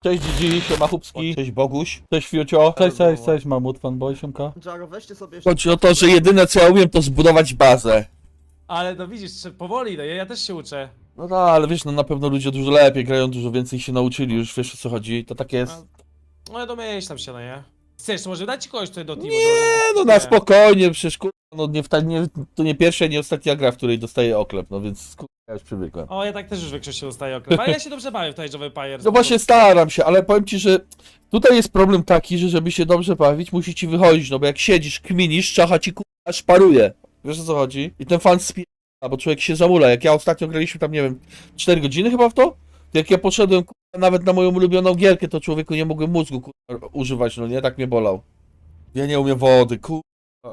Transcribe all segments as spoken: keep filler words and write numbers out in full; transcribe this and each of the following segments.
Cześć Gigi, siema Chubski, cześć Boguś, cześć Fiucio, cześć, cześć, cześć Mamut, fanboy, siemka. Jaro, weźcie sobie jeszcze... Chodzi o to, że jedyne co ja umiem to zbudować bazę. Ale no widzisz, powoli, no ja, ja też się uczę. No tak, ale wiesz, no na pewno ludzie dużo lepiej grają, dużo więcej się nauczyli, już wiesz o co chodzi, to tak jest. No ja domyślam się, no nie? Chcesz, to może dać ci kogoś tutaj do teamu? Nie, no na spokojnie, przecież kur... no nie, w nie, to nie pierwsza, nie ostatnia gra, w której dostaję oklep, no więc kur... ja już przywykłem. O, ja tak też już w większości dostaję oklep, ale ja się dobrze bawię w tej Java Empire. No właśnie staram się, ale powiem ci, że tutaj jest problem taki, że żeby się dobrze bawić, musi ci wychodzić, no bo jak siedzisz, kminisz, czacha ci kurwa szparuje. Wiesz o co chodzi? I ten fan spie... bo człowiek się zamula. Jak ja ostatnio graliśmy tam, nie wiem, cztery godziny chyba w to? To jak ja poszedłem kurwa, nawet na moją ulubioną gierkę, to człowieku nie mogłem mózgu kurwa, używać, no nie? Tak mnie bolał. Ja nie umiem wody, kurwa.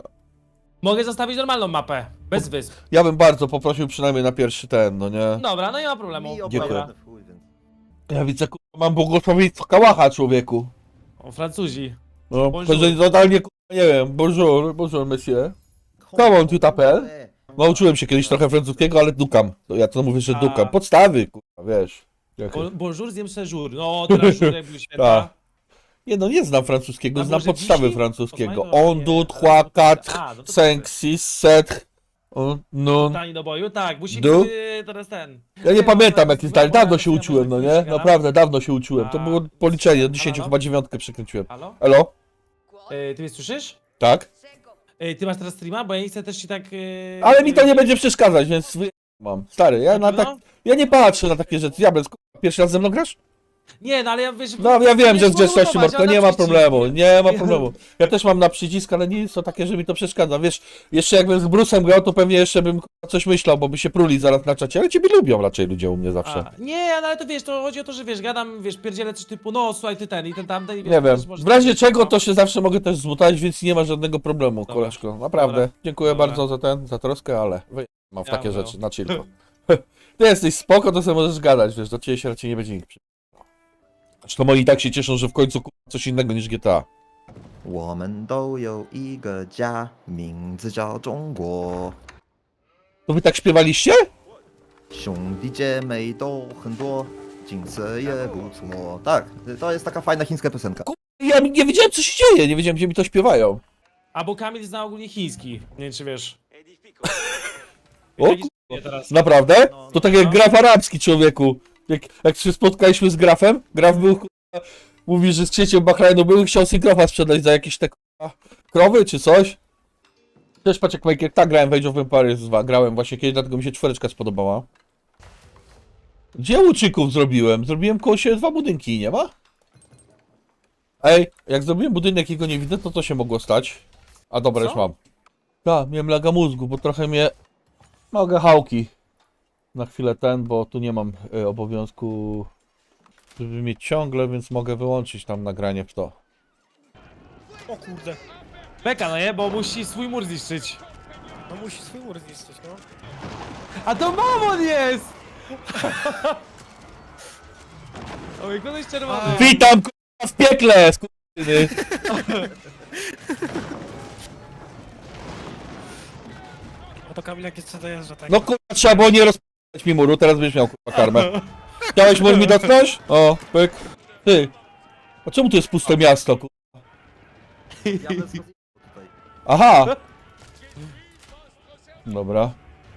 Mogę zostawić normalną mapę, bez wysp. Ja bym bardzo poprosił przynajmniej na pierwszy ten, no nie? Dobra, no nie ma problemu. Mi Dziękuję. obojętny chuj, więc... Ja widzę, kurwa, mam błogosławieństwo kałacha, człowieku. O, Francuzi. No, Bonjour. to, że totalnie, kurwa, nie wiem, bonjour, bonjour, monsieur. Come on, tu t'appelles? Nauczyłem się kiedyś trochę francuskiego, ale dukam. To ja to mówię, że A. dukam. Podstawy, kurwa, wiesz. Jakie- Bo- Bonjour, zjem séjour. No, teraz żur jak był święta. Tak. Nie no, nie znam francuskiego, A znam może podstawy dzisiaj? francuskiego. Osmajno, On, nie, du, ale trois, to- quatre, A, no to cinq, six, sept, on, non. Tani do boju? Tak, musi Du? być teraz ten. Ja nie no, pamiętam to jak jest jest dalej, dawno moja się wersja, uczyłem, no może nie? chwilkę, Naprawdę, dawno się uczyłem. To A, było policzenie, do halo, dziesięciu halo? chyba dziewiątkę przekręciłem. Halo? Elo? E, ty mnie słyszysz? Tak? E, ty masz teraz streama? Bo ja nie chcę też ci tak... E... Ale mi to nie będzie przeszkadzać, więc wy- mam. Stary, ja na tak, No? ja nie patrzę na takie rzeczy. Diabeł, pierwszy raz ze mną grasz? Nie, no ale ja wiesz... No ja wiem, że z grzeczności zbudować, Marko, a na nie ma przycisk. problemu, nie ma problemu. Ja też mam na przycisk, ale nie jest to takie, że mi to przeszkadza. Wiesz, jeszcze jakbym z Brusem grał, to pewnie jeszcze bym k***a, coś myślał, bo by się pruli zaraz na czacie, ale ciebie lubią raczej ludzie u mnie zawsze. A, nie, ale to wiesz, to chodzi o to, że wiesz, gadam, wiesz, pierdzielę coś typu, no słuchaj, ty ten i ten tamten i wiesz, Nie wiem, też może- w razie czego to się zawsze mogę też zmutać, więc nie ma żadnego problemu, Dobra. koleżko. Naprawdę, Dobra. dziękuję Dobra. bardzo za ten, za troskę, ale wy- mam w Ja takie bym. rzeczy, na chillko. Ty jesteś spoko, to sobie możesz gadać, wiesz, do ciebie się raczej nie będzie nikt przy... Zresztą moi i tak się cieszą, że w końcu k***a, coś innego niż G T A. 我们都有一个家，名字叫中国。 To wy tak śpiewaliście? 兄弟姐妹都很多，景色也不错. Tak, to jest taka fajna chińska piosenka. Ja nie wiedziałem co się dzieje, nie wiedziałem gdzie mi to śpiewają. A bo Kamil zna ogólnie chiński, nie wiem czy wiesz. O Taki ku- s- teraz. Naprawdę? No, To tak jak no. graf arabski, człowieku. Jak, jak się spotkaliśmy z grafem, graf był, kurwa, mówi, że z księciem Bahrajnu był i chciał sobie grafa sprzedać za jakieś te kurwa, krowy czy coś. Też patrz jak Majkier, tak grałem w Age of Empires dwa, grałem właśnie kiedyś, dlatego mi się czwóreczka spodobała. Gdzie łuczyków zrobiłem? Zrobiłem koło siebie dwa budynki, nie ma? Ej, jak zrobiłem budynek i go nie widzę, to co się mogło stać? A dobra, Co? już mam. Tak, miałem laga mózgu, bo trochę mnie... Mogę hałki. Na chwilę ten, bo tu nie mam y, obowiązku, żeby mieć ciągle, więc mogę wyłączyć tam nagranie w to. O kurde. Beka, no nie, bo musi swój mur zniszczyć. No musi swój mur zniszczyć, no. A to mamon jest! Oj, kogoś czerwony. Witam k***a w piekle, skurwysyny. No to Kamil jak jeszcze dojeżdża, tak? No kurwa, trzeba było nie rozpalać mi muru, teraz będziesz miał kurwa karmę. Chciałeś mur mi dotknąć? O, pyk. Ty. A czemu to jest puste miasto, kurwa? Ja bez rozjebów tutaj. Aha! Dobra.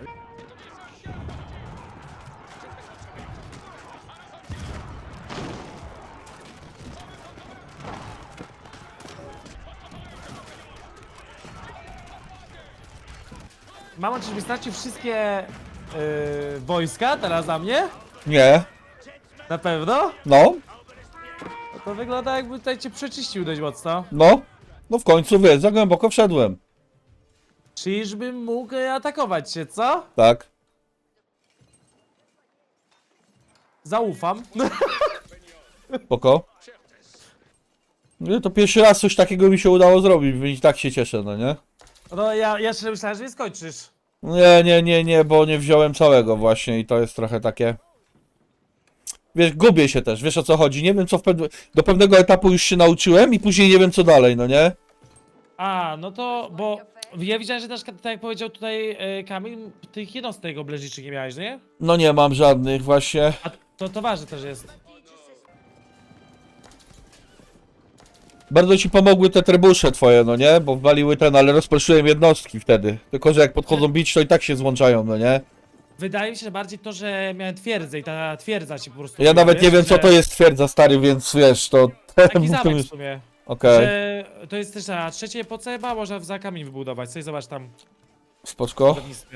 Mama, czyżby stracił wszystkie yy, wojska teraz za mnie? Nie. Na pewno? No, No to wygląda jakby tutaj cię przeczyścił dość mocno. no. No w końcu wiesz, za głęboko wszedłem. Czyżbym mógł e, atakować się, co? Tak. Zaufam. Spoko. Nie, to pierwszy raz coś takiego mi się udało zrobić, więc i tak się cieszę, no nie? No ja, ja szczerze myślałem, że nie skończysz. Nie, nie, nie, nie, bo nie wziąłem całego właśnie i to jest trochę takie... Wiesz, gubię się też, wiesz o co chodzi, nie wiem co w pewne... do pewnego etapu już się nauczyłem i później nie wiem co dalej, no nie? A, no to, bo ja widziałem, że też, tak jak powiedział tutaj e, Kamil, tych jednostek obleżniczych nie miałeś, nie? No nie mam żadnych właśnie. A to, to ważne też jest. Bardzo ci pomogły te trybusze twoje, no nie? Bo waliły ten, ale rozproszyłem jednostki wtedy. Tylko, że jak podchodzą bić, to i tak się złączają, no nie? Wydaje mi się, że bardziej to, że miałem twierdzę i ta twierdza ci po prostu... Ja nawet nie wiesz, wiem, co że- to jest twierdza, stary, więc wiesz, to... Taki zamek w sumie. Okej, Że to jest też na trzeciej epoce, chyba można za kamień wybudować. Coś zobacz tam w spoczko. budownictwie.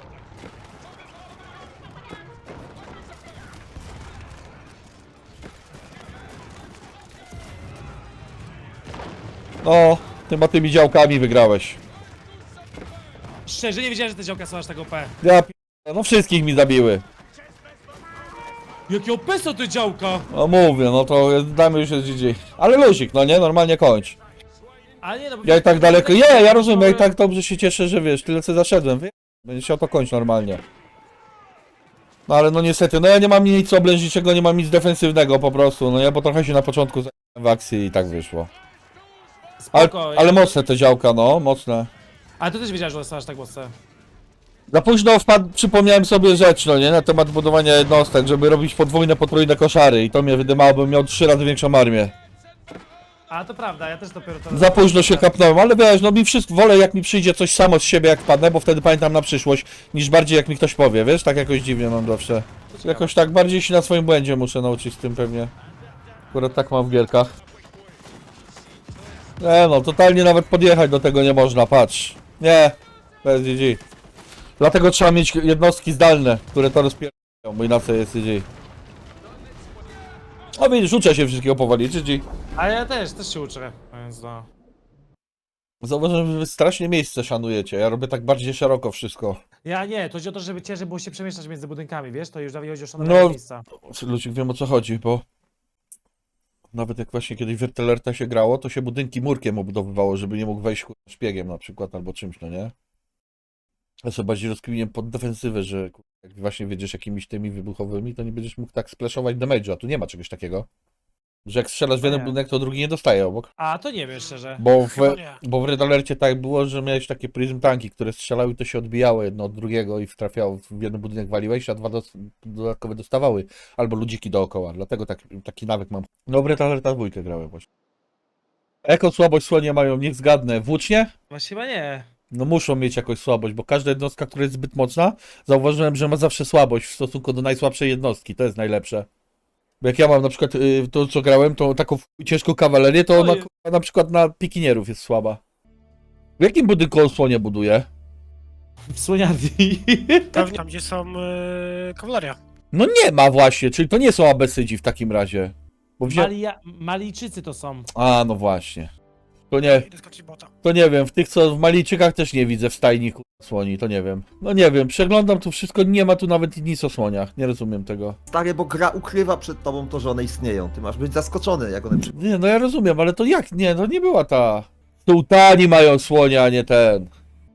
No, chyba tymi działkami wygrałeś. Szczerze nie wiedziałem, że te działka są aż tak O P. Ja p... no wszystkich mi zabiły. Jakie O P są te działka? No mówię, no to damy już jest G G. Ale luzik, no nie? Normalnie kończ. A nie no, bo Ja i tak daleko, nie, ja rozumiem, ja i tak dobrze się cieszę, że wiesz, tyle co zaszedłem, wie? Będzie się o to kończyć normalnie. No ale no niestety, no ja nie mam nic oblężniczego, nie mam nic defensywnego po prostu, no ja bo trochę się na początku zajęłem w akcji i tak wyszło. Ale, spoko. ale mocne te działka, no, mocne. Ale to też wiedziałeś, że są aż tak mocne. Za późno wpadł, przypomniałem sobie rzecz, no nie, na temat budowania jednostek, żeby robić podwójne, potrójne koszary i to mnie wydymało, bym miał trzy razy większą armię. A to prawda, ja też dopiero to... Za późno się kapnąłem, ale wiesz, no mi wszystko, wolę jak mi przyjdzie coś samo z siebie jak wpadnę, bo wtedy pamiętam na przyszłość, niż bardziej jak mi ktoś powie, wiesz, tak jakoś dziwnie mam zawsze. Jakoś tak bardziej się na swoim błędzie muszę nauczyć z tym pewnie. Akurat tak mam w gierkach. Nie no, totalnie nawet podjechać do tego nie można, patrz. Nie, bez G G. Dlatego trzeba mieć jednostki zdalne, które to rozpierają, bo inaczej jest G G. O widzisz, uczę się wszystkiego powoli, G G. A ja też, też się uczę, więc no. Zauważyłem, że wy strasznie miejsce szanujecie, ja robię tak bardziej szeroko wszystko. Ja nie, to chodzi o to, żeby ciężej było się przemieszczać między budynkami, wiesz? To już nawet chodzi o szanowanie No. miejsca. Ludzik, wiem o co chodzi, bo nawet jak właśnie kiedyś w Ertelerta się grało, to się budynki murkiem obudowywało, żeby nie mógł wejść kurwa, szpiegiem na przykład albo czymś, no nie? Ja sobie bardziej rozkminiłem pod defensywę, że kurwa, jak właśnie wiedziesz jakimiś tymi wybuchowymi, to nie będziesz mógł tak splashować damage'u, a tu nie ma czegoś takiego. Że jak strzelasz w jeden Nie. budynek, to drugi nie dostaje obok. A to nie wiem szczerze. Bo w, Chyba nie. bo w Red Alercie tak było, że miałeś takie prism tanki, które strzelały i to się odbijało jedno od drugiego i trafiało w jeden budynek waliłeś, a dwa dos dodatkowe dostawały. Albo ludziki dookoła, dlatego tak, taki nawyk mam. No w Red Alerta dwójkę grałem właśnie. Jaką słabość słonie mają, niech zgadnę, włócznie? Właśnie chyba nie. No muszą mieć jakąś słabość, bo każda jednostka, która jest zbyt mocna, zauważyłem, że ma zawsze słabość w stosunku do najsłabszej jednostki, to jest najlepsze. Bo jak ja mam na przykład y, to, co grałem, to taką ciężką kawalerię, to ona Oj. kurwa, na przykład na pikinierów jest słaba. W jakim budynku on słonie buduje? W Słoniarni. Pewnie tam, gdzie są yy, kawaleria. No nie ma właśnie, czyli to nie są abesydzi w takim razie. Bo wzię... Malia... Malijczycy to są. A, no właśnie. To nie, Idę skoczyć bota. to nie wiem, w tych co w Malijczykach też nie widzę w stajni kurwa, słoni, to nie wiem. No nie wiem, przeglądam tu wszystko, nie ma tu nawet nic o słoniach, nie rozumiem tego. Stary, bo gra ukrywa przed tobą to, że one istnieją. Ty masz być zaskoczony, jak one przy... Nie, no ja rozumiem, ale to jak? Nie, to nie była ta... Sułtani mają słonia, a nie ten.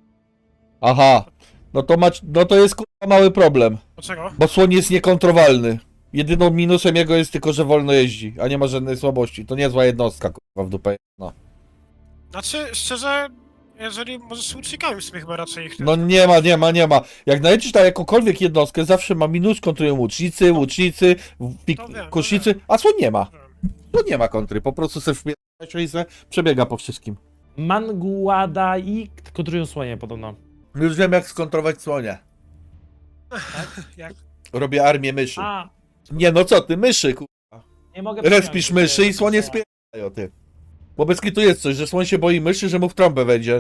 Aha. No to, ma, no to jest kurwa mały problem, Dlaczego? bo słoń jest niekontrowalny. Jedyną minusem jego jest tylko, że wolno jeździ, a nie ma żadnej słabości. To niezła jednostka kurwa w dupę. No, Znaczy, szczerze, jeżeli możesz z łucznikami w sumie chyba raczej ich... no nie ma, nie ma, nie ma. Jak najedziesz na jakąkolwiek jednostkę, zawsze ma minus, kontrują łucznicy, łucznicy, pik, To wiem, to kusznicy, a słoń nie ma. Tu nie ma kontry, po prostu se wpierdala i se przebiega po wszystkim. Manguada i kontrują słonie podobno. Już wiem jak skontrować słonia. Jak? Robię armię myszy. A, Nie no co ty, myszy ku... nie mogę... Respisz przyjąć, myszy i że- słonie spierają ty. Bo bez kitu jest coś, że słoń się boi myszy, że mu w trąbę wejdzie.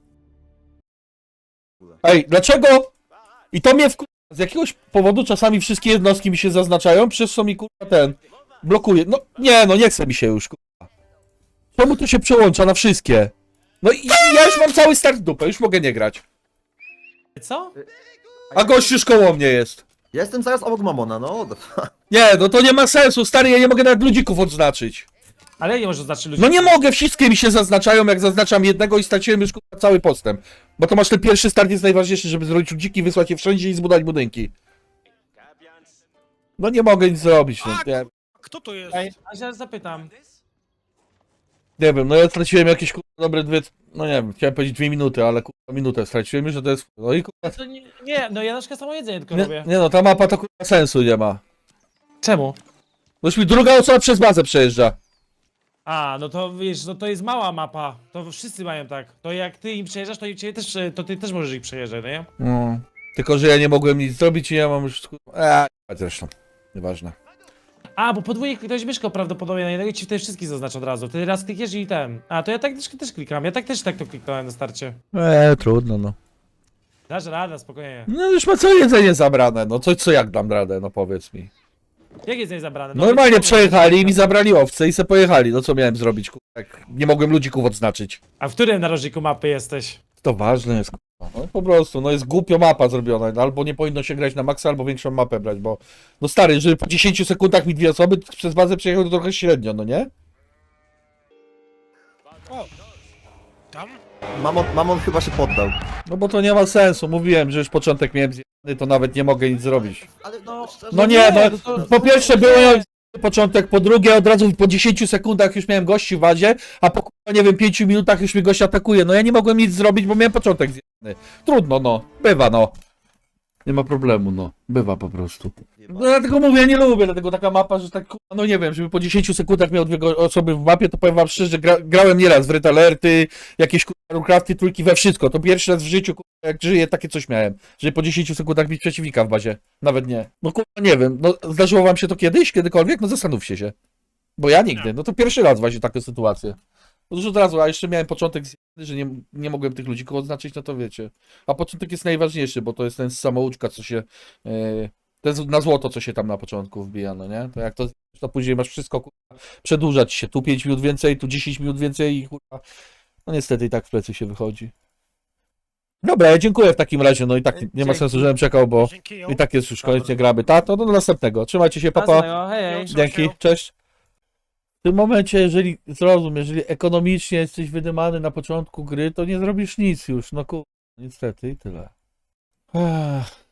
Ej, dlaczego? I to mnie w... Z jakiegoś powodu czasami wszystkie jednostki mi się zaznaczają, przez co mi kurwa ten... blokuje. No nie, no nie chce mi się już kurwa. Czemu to się przełącza na wszystkie? No i i ja już mam cały start w dupę, już mogę nie grać. Co? A gość już koło mnie jest. Ja jestem zaraz obok Mamona, no. Nie, no to nie ma sensu, stary, ja nie mogę nawet ludzików odznaczyć. Ale nie możesz zacząć ludzi. No nie mogę, wszystkie mi się zaznaczają, jak zaznaczam jednego i straciłem już kurwa, cały postęp. Bo to masz ten pierwszy start jest najważniejszy, żeby zrobić ludziki, wysłać je wszędzie i zbudować budynki. No nie mogę nic zrobić, no, nie, Kto to jest? Ej, a się zapytam. nie wiem, no ja straciłem jakieś kurwa, dobre dwie, no nie wiem, chciałem powiedzieć dwie minuty, ale kurwa minutę straciłem już, że to jest, no i kurwa, To nie, nie, no ja na przykład samo jedzenie tylko nie, robię. nie no, ta mapa to kurwa sensu nie ma. Czemu? No już mi druga osoba przez bazę przejeżdża. A, no to wiesz, no to jest mała mapa. To wszyscy mają tak. To jak ty im przejeżdżasz, to, im ciebie też, to ty też możesz ich przejeżdżać, no nie? No. Tylko, że ja nie mogłem nic zrobić i ja mam już... Eee, zresztą. Nieważne. A, bo podwójnie kliknąłeś myszką prawdopodobnie na jednego i ci wtedy wszystkich zaznacza od razu. Wtedy raz klikniesz i ten. A, to ja tak też, też klikam. Ja tak też tak to kliknąłem na starcie. Eee, trudno, no. Dasz radę, spokojnie. No już ma całe jedzenie zabrane, no co, co jak dam radę, no powiedz mi. Jak jest zabrane? No, Normalnie więc- przejechali i mi zabrali owce i se pojechali, no co miałem zrobić, kurwa, jak nie mogłem ludzików odznaczyć. A w którym narożniku mapy jesteś? To ważne jest, kurwa, no po prostu, no jest głupio mapa zrobiona, no, albo nie powinno się grać na maksa, albo większą mapę brać, bo... No stary, żeby po dziesięciu sekundach mi dwie osoby przez bazę przejechały, to trochę średnio, no nie? O! Tam? Mamon, Mamon chyba się poddał. No bo to nie ma sensu, mówiłem, że już początek miałem zjebany, to nawet nie mogę nic zrobić. Ale no, szczerze, No nie, no, po pierwsze byłem początek, po drugie od razu po dziesięciu sekundach już miałem gości w wazie, a po kurwa, nie wiem, pięciu minutach już mnie gość atakuje. No ja nie mogłem nic zrobić, bo miałem początek zjebany. Trudno, no, bywa, no. Nie ma problemu, no, bywa po prostu. No dlatego mówię, ja nie lubię, dlatego taka mapa, że tak, kurwa, no nie wiem, żeby po dziesięciu sekundach miał dwie go- osoby w mapie, to powiem wam szczerze, gra, grałem nieraz w Red Alerty, jakieś kurwa Runecrafty, trójki, we wszystko. To pierwszy raz w życiu, kurwa, jak żyję, takie coś miałem, żeby po dziesięciu sekundach mieć przeciwnika w bazie. Nawet nie. No kurwa, nie wiem, no zdarzyło wam się to kiedyś, kiedykolwiek? No zastanówcie się. Bo ja nigdy, no to pierwszy raz właśnie takie sytuacje. Otóż od razu, a jeszcze miałem początek, zjebany, że nie, nie mogłem tych ludzi koło oznaczyć, no to wiecie. A początek jest najważniejszy, bo to jest ten samouczka, co się... Yy, to jest na złoto, co się tam na początku wbija, no nie? To jak to, to później masz wszystko, kurwa, przedłużać się. Tu pięć minut więcej, tu dziesięć minut więcej i kurwa... No niestety i tak w plecy się wychodzi. Dobra, ja dziękuję w takim razie, no i tak nie ma sensu, żebym czekał, bo Dzięki ją. i tak jest już koniec, nie gramy. Ta, to do następnego. Trzymajcie się, papa. Jasnego, hej, hej. Dzięki, cześć. W tym momencie, jeżeli zrozum, jeżeli ekonomicznie jesteś wydymany na początku gry, to nie zrobisz nic już, no kurwa, niestety i tyle. Ech.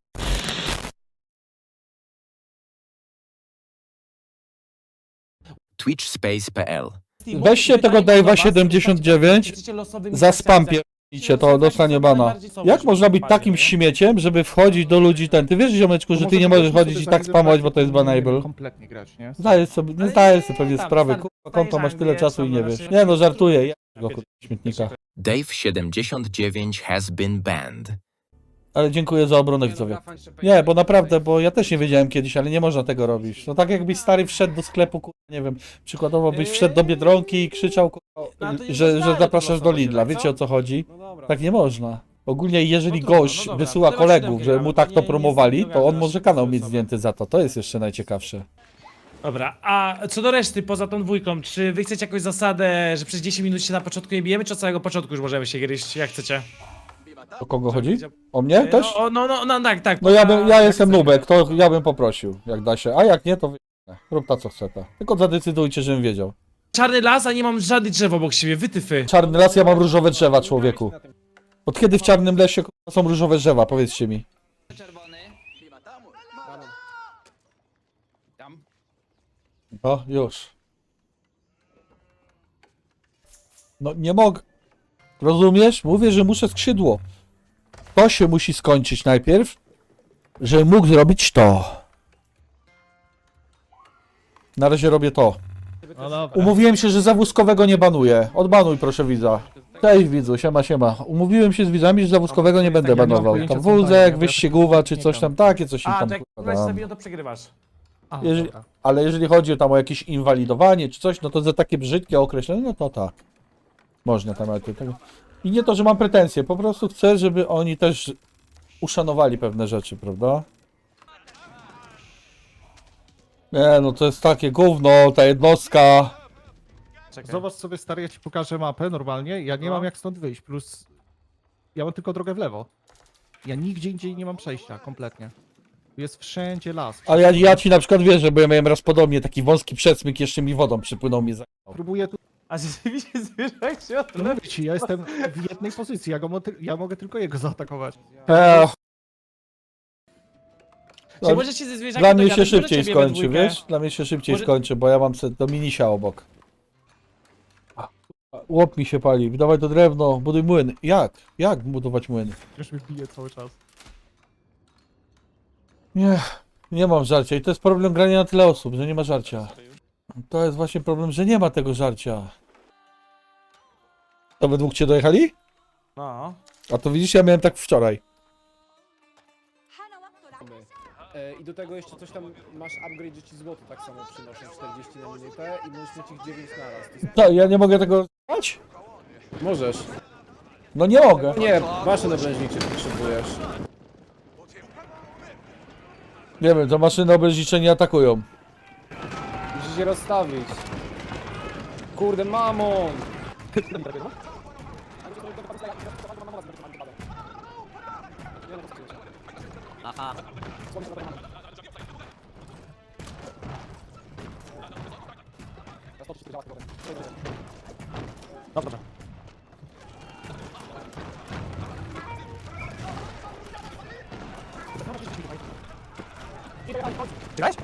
twitch space kropka p l. Weźcie tego Dave'a siedemdziesiąt dziewięć, za spam pierdolicie, to dostanie bana. Jak można być takim śmieciem, żeby wchodzić do ludzi ten? Ty wiesz, ziomeczku, że ty nie możesz chodzić i tak spamować, bo to jest banable? Kompletnie grać, nie? Zdajesz sobie, nie zdajesz sobie pewnie sprawy, kurwa, konto masz tyle czasu i nie wiesz. Nie no, żartuję, ja go kurwa, śmietnika. Dave siedemdziesiąt dziewięć has been banned. Ale dziękuję za obronę widzowie. Nie, bo naprawdę, bo ja też nie wiedziałem kiedyś, ale nie można tego robić. No tak jakbyś stary wszedł do sklepu, kurwa, nie wiem, przykładowo byś wszedł do Biedronki i krzyczał, kurwa, że, że zapraszasz do Lidla, wiecie o co chodzi? Tak nie można. Ogólnie jeżeli No trudno, gość no dobra, wysyła to kolegów, siódemkę że mu gramy, tak to to nie- nie promowali, to on zgadasz może kanał sobie. mieć zdjęty za to. To jest jeszcze najciekawsze. Dobra, a co do reszty, poza tą dwójką, czy wy chcecie jakąś zasadę, że przez dziesięć minut się na początku nie bijemy, czy od samego początku już możemy się gryźć, jak chcecie? O kogo chodzi? O mnie też? No, no, no, no tak, tak. No ja, bym, ja jak jestem chcecie. nubek, to ja bym poprosił, jak da się. A jak nie, to wy... rób ta co chce ta. Tylko zadecydujcie, żebym wiedział. Czarny las, a nie mam żadnych drzew obok siebie, wytyfy. Czarny las, ja mam różowe drzewa, człowieku. Od kiedy w czarnym lesie k***a, są różowe drzewa, powiedzcie mi. O, już. No nie mogę. Rozumiesz? Mówię, że muszę skrzydło. To się musi skończyć najpierw, żebym mógł zrobić to. Na razie robię to. No dobra. Umówiłem się, że za wózkowego nie banuję. Odbanuj proszę widza. Cześć widzu, siema siema. Umówiłem się z widzami, że za wózkowego nie będę banował. Tam wózek, wyścigówa czy coś tam, takie coś im A, tam to jak kurwa, weź dam. sobie, to przegrywasz. A, Jeżeli, dobra. ale jeżeli chodzi tam o jakieś inwalidowanie czy coś, no to za takie brzydkie określenie, no to tak. Można tam, ale to, tak. I nie to, że mam pretensje, po prostu chcę, żeby oni też uszanowali pewne rzeczy, prawda? Nie, no to jest takie gówno, ta jednostka. Czekaj. Zobacz sobie, stary, ja ci pokażę mapę normalnie. Ja nie No. mam jak stąd wyjść, plus ja mam tylko drogę w lewo. Ja nigdzie indziej nie mam przejścia, kompletnie. Tu jest wszędzie las. Ale ja, ja ci na przykład wierzę, bo ja miałem raz podobnie, taki wąski przesmyk, jeszcze mi wodą przypłynął, mi za... Próbuję tu... A rzeczywiście zwierzak się No odlewa. mówię ci, ja jestem w jednej pozycji, ja, go mo... ja mogę tylko jego zaatakować. Ech, Czy możecie ze zwierzakiem dla mnie się dogadać, może szybciej ciebie we skończy, dwójkę? wiesz? Dla mnie się szybciej Może- skończy, bo ja mam se do minisia obok. A, Łop mi się pali, dawaj to drewno, buduj młyn. Jak? Jak budować młyn? Już mi bije cały czas. Nie, nie mam żarcia i to jest problem grania na tyle osób, że nie ma żarcia. To jest właśnie problem, że nie ma tego żarcia. To we dwóch cię dojechali? No. A to widzisz, ja miałem tak wczoraj. E, I do tego jeszcze coś tam masz upgrade, że ci złoto tak samo przynoszą czterdzieści na minutę i możesz mieć ich dziewięć na raz. To jest... No, ja nie mogę tego dać? Możesz. No nie mogę. Nie, maszyny obrężnicze potrzebujesz. Nie wiem, to maszyny obrężnicze nie atakują. Musisz je rozstawić. Kurde, mamon! Dobra. Grałeś?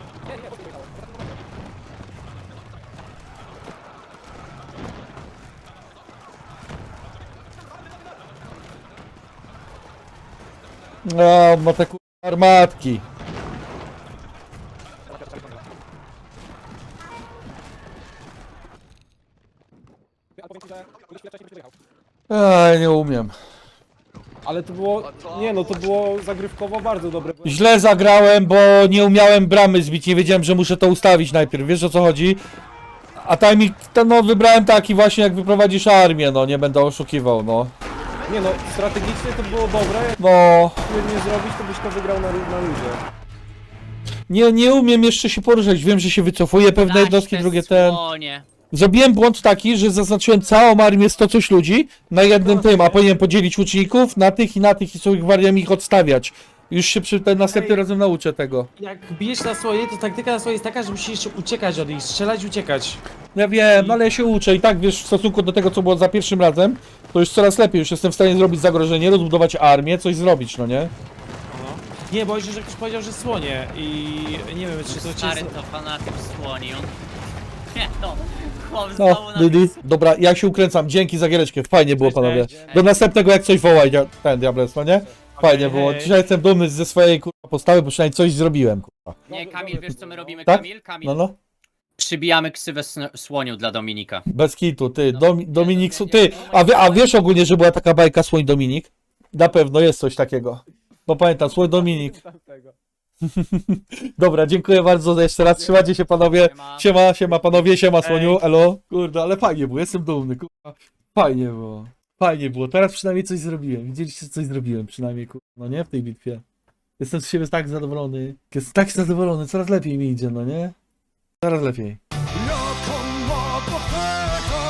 No, ma te kurwa armatki. Ej, nie umiem. Ale to było, nie no, to było zagrywkowo bardzo dobre. Źle zagrałem, bo nie umiałem bramy zbić, nie wiedziałem, że muszę to ustawić najpierw, wiesz o co chodzi? A timing, ten, no wybrałem taki właśnie jak wyprowadzisz armię, no nie będę oszukiwał, no. Nie no, strategicznie to było dobre, jak No, nie zrobić, to byś to wygrał na, na luzie. nie, nie umiem jeszcze się poruszać, wiem, że się wycofuje pewne jednostki, drugie ten. Słonie. Zrobiłem błąd taki, że zaznaczyłem całą armię sto coś ludzi na jednym tym, a powinienem podzielić łuczników na tych i na tych i sobie wariami ich odstawiać. Już się przy ten następnym razem nauczę tego. Jak bijesz na słonie, to taktyka na słonie jest taka, że musisz jeszcze uciekać od nich, strzelać, uciekać. Ja wiem, no ale ja się uczę i tak wiesz, w stosunku do tego co było za pierwszym razem, to już coraz lepiej, już jestem w stanie zrobić zagrożenie, rozbudować armię, coś zrobić, no nie? Nie, bo jeszcze, że ktoś powiedział, że słonie i nie wiem, czy to cię... Stary to fanatyk słoni, on... Nie no, chłop No, znowu na... Didi. Dobra, ja się ukręcam, dzięki za giereczkę, fajnie było panowie. Do następnego jak coś wołaj, dia- ten Diables, no nie? Fajnie Okej, było, hej. dzisiaj jestem dumny ze swojej kurwa postawy, bo przynajmniej coś zrobiłem, kurwa. Nie, Kamil, wiesz co my robimy, Tak? Kamil? Kamil, No no. przybijamy ksywę sn- słoniu dla Dominika. Bez kitu, ty, Domi Dominik, Su- ty, a, wie, a wiesz ogólnie, że była taka bajka Słoń Dominik? Na pewno jest coś takiego. No pamiętam, Słoń Dominik. Dobra, dziękuję bardzo jeszcze raz, trzymajcie się panowie. Siema. Siema, siema panowie, siema Słoniu, elo. Kurde, ale fajnie było, jestem dumny, kurwa. Fajnie było, fajnie było, teraz przynajmniej coś zrobiłem, widzieliście, że coś zrobiłem przynajmniej, kurwa, no nie, w tej bitwie. Jestem z siebie tak zadowolony, jestem tak zadowolony, coraz lepiej mi idzie, no nie? Coraz lepiej. Lokomoto